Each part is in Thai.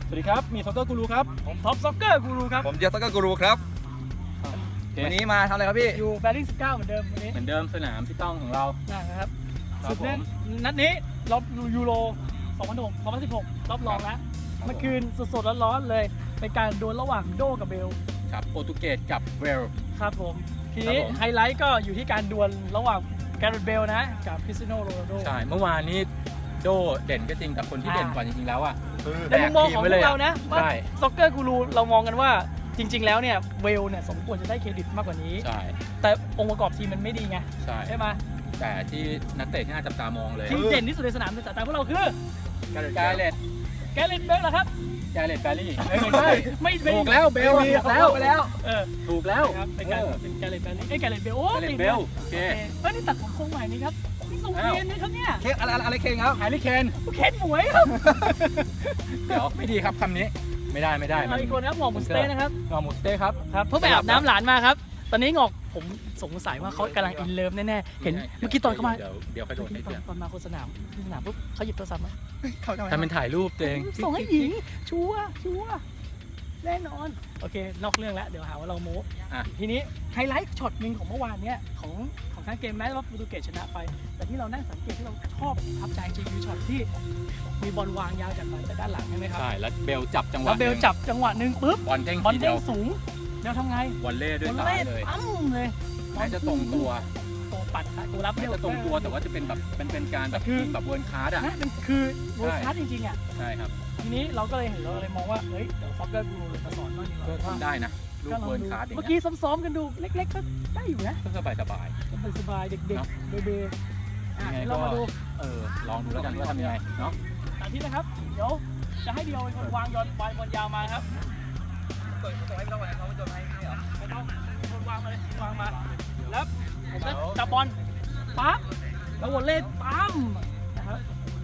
สวัสดีครับมีซ็อกเกอร์กูรูครับผมท็อปซ็อกเกอร์กูรูครับผมเจสก็กูรูครับวันนี้มาทำอะไรครับพี่อยู่แบริ่ง19เหมือนเดิมวันนี้เหมือนเดิมสนามพี่ต้องของเรานะครับสุดเนี้ยนัดนี้รอบยูโร2016รอบรองแล้วเมื่อคืนสดๆร้อนๆเลยเป็นการดวลระหว่างโดกับเบลครับโปรตุเกสกับเวลครับผมทีนี้ไฮไลท์ก็อยู่ที่การดวลระหว่างแกเรตเบลนะกับคริสเตียโนโรนัลโดใช่เมื่อวานนี้โดเด่นก็จริงแต่คนที่เด่นกว่าจริงๆแล้วอ่ะในมุมมองของพวกเรานะว่าซ็อกเกอร์กูรูเรามองกันว่าจริงๆแล้วเนี่ยเวลเนี่ยสมควรจะได้เครดิตมากกว่านี้ใช่แต่องค์ประกอบทีมมันไม่ดีไงใช่ไหมแต่ที่นักเตะที่น่าจับตามองเลยที่เด่นที่สุดในสนามในสายตาพวกเราคือแกเรตเบลเหรอครับแกเรตแบรี่ไม่ใช่ไม่ถูกแล้วเบลแล้วถูกแล้วเป็นแกเรตแบรี่แกเรตเบลโอ้เบลโอเคนี่ตัดผมทรงใหม่นี่ครับนี่ทรงเคนนะครับเนี่ยเคนอะไรเคนครับแฮร์รี่เคนหมวยครับเดี๋ยวไม่ดีครับคำนี้ไม่ได้อีกคนครับหมอหมูสเต้นะครับหมอหมูสเต้ครับเพิ่งไปอาบน้ำหลานมาครับตอนนี้งอกผมสงสัยว่าเขากำลังอินเลิฟแน่ๆเห็นเมื่อกี้ตอนเข้ามาเดี๋ยวเขาโดนตอนมาโฆษณาปุ๊บเขาหยิบโทรศัพท์มาทำเป็นถ่ายรูปตัวเองส่งให้หญิงชัวร์แน่นอนโอเคนอกเรื่องแล้วเดี๋ยวหาว่าเราโม้ทีนี้ไฮไลท์ช็อตหนึ่งของเมื่อวานเนี้ยของทั้งเกมแม้ว่าโปรตุเกสชนะไปแต่ที่เรานั่งสังเกตที่เราชอบทับใจจริงคือช็อตที่มีบอลวางยาวจากด้านหลังใช่ไหมครับใช่แล้วเบลจับจังหวะหนึ่งปุ๊บบอลเด้งสูงแล้วทำไงวอลเล่ด้วยซ้ายเลยเลยแม้จะตรงตัวปัดตัวรับจะตรงตัวแต่ว่าจะเป็นแบบเป็นการแบบคือแบบเวิร์นคาร์ดอ่ะมันคือเวิร์นคาร์ดจริงๆอ่ะใช่ครับทีนี้เราก็เลยเห็นเราเลยมองว่าเฮ้ยเดี๋ยวซ็อกเกอร์กูรูมาสอนบ้างดีกว่าก็ทำได้นะลูกเวิร์นคาร์ดเมื่อกี้ซ้อมๆกันดูเล็กๆก็ได้อยู่นะก็สบายเด็กๆเบย์เรามาดูลองดูแล้วกันว่าทำยังไงเนาะสาธิตนะครับเดี๋ยวจะให้เดียวเป็นคนวางบอลยาวมาครับส่งให้พี่ต้องก่อนนะเขาจะให้เหรอไม่ต้องคนวางมาแล้วผมจะจับบอลปั๊บแล้ววอลเล่ปั๊มนะครับ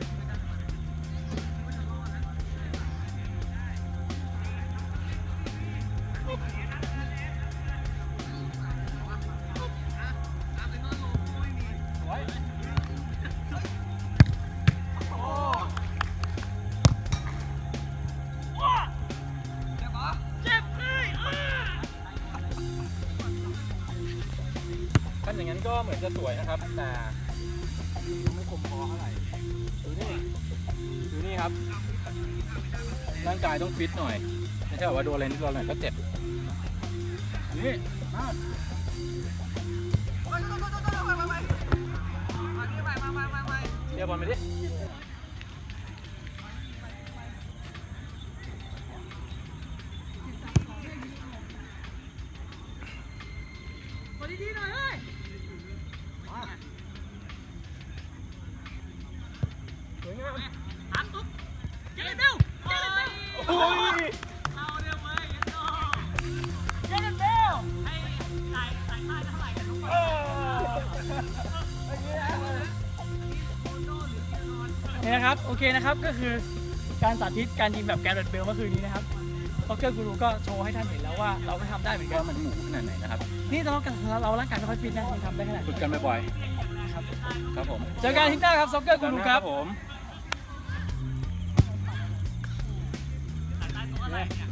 อย่างนั้นก็เหมือนจะสวยนะครับแต่ไม่คมพอเท่าไหร่ดูนี่ครับร่างกายต้องฟิตหน่อยไม่ใช่ว่าโดนอะไรนิดหน่อยก็เจ็บนี่เชียร์บอลไปดิดีๆหน่อยเลยสวยงามถามตุ๊บเจเลนเบลโอ้ยเอาเร็วเลยเจเลนเบลให้จ่ายค่าเท่าไหร่กันทุกคนนี่นะครับโอเคนะครับก็คือการสาธิตการยิงแบบแกเรตเบลเมื่อคืนนี้นะครับซ็อกเกอร์กูรูก็โชว์ให้ท่านเห็นแล้วว่าเราไม่ทำได้เหมือนกันมันหมูขนาดไหนนะครับนี่เราร่างกายไม่ค่อยฟิตนะยังทำได้ขนาดฝึกกันบ่อยๆครับผมเจอกันที่หน้าครับซ็อกเกอร์กูรูครับผม